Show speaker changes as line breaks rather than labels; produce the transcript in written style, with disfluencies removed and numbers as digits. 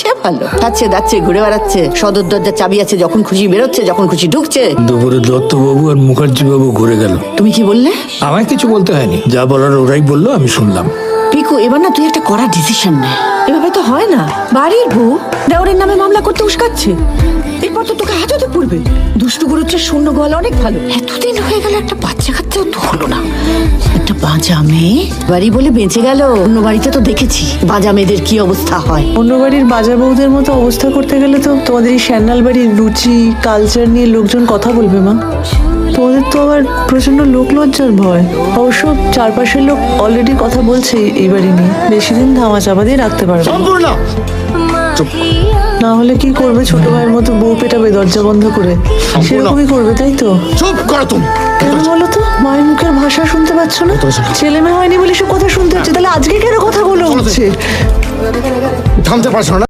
এটা ভালো। খাচ্ছে দাচ্ছে ঘুরে বেড়াচ্ছে, সদর দরজার চাবি আছে, যখন খুশি বেরোচ্ছে, যখন খুশি ঢুকছে।
দুপুরে দত্তবাবু আর মুখার্জি বাবু ঘুরে গেল।
তুমি কি বললে?
আমায় কিছু বলতে হয়নি, যা বলার ওরাই বললো, আমি শুনলাম।
পিকু, এবার না তুই একটা কড়া ডিসিশন নে। এভাবে তো হয় না। বাড়ির বউ দেওরের নামে মামলা করতে উস্কাচ্ছে, এরপর তো তোকে হাজতে পড়বে। দুষ্টু গুরুত্বের শূন্য গলা অনেক ভালো। এতদিন হয়ে গেল একটা বাচ্চা কাচ্চাও তো হলো না। একটা বাজা মেয়ে বাড়ি বলে বেঁচে গেল। অন্য বাড়িতে তো দেখেছি বাজা মেয়েদের কি অবস্থা হয়।
অন্য বাড়ির বাজা বউদের মতো অবস্থা করতে গেলে তো তোমাদের এই শ্যান্নাল বাড়ির রুচি কালচার নিয়ে লোকজন কথা বলবে মা। তোমাদের তো আবার প্রচন্ড লোক লজ্জার ভয়। অবশ্য চারপাশের লোক অলরেডি কথা বলছে এই বাড়ি নিয়ে, বেশি দিন ধামা চাপা দিয়ে রাখতে পারবে না। না হলে কি করবে? ছোট ভাইয়ের মতো বউ পেটাবে দরজা বন্ধ করে, সেরকমই করবে, তাই তো?
চুপ করো তুমি।
কেন বলো তো? মায়ের মুখের ভাষা শুনতে পাচ্ছ না? ছেলে মেয়ে হয়নি বলে সে কথা শুনতে হচ্ছে, তাহলে আজকে কেন কথাগুলো হচ্ছে?
থামতে পারছো না?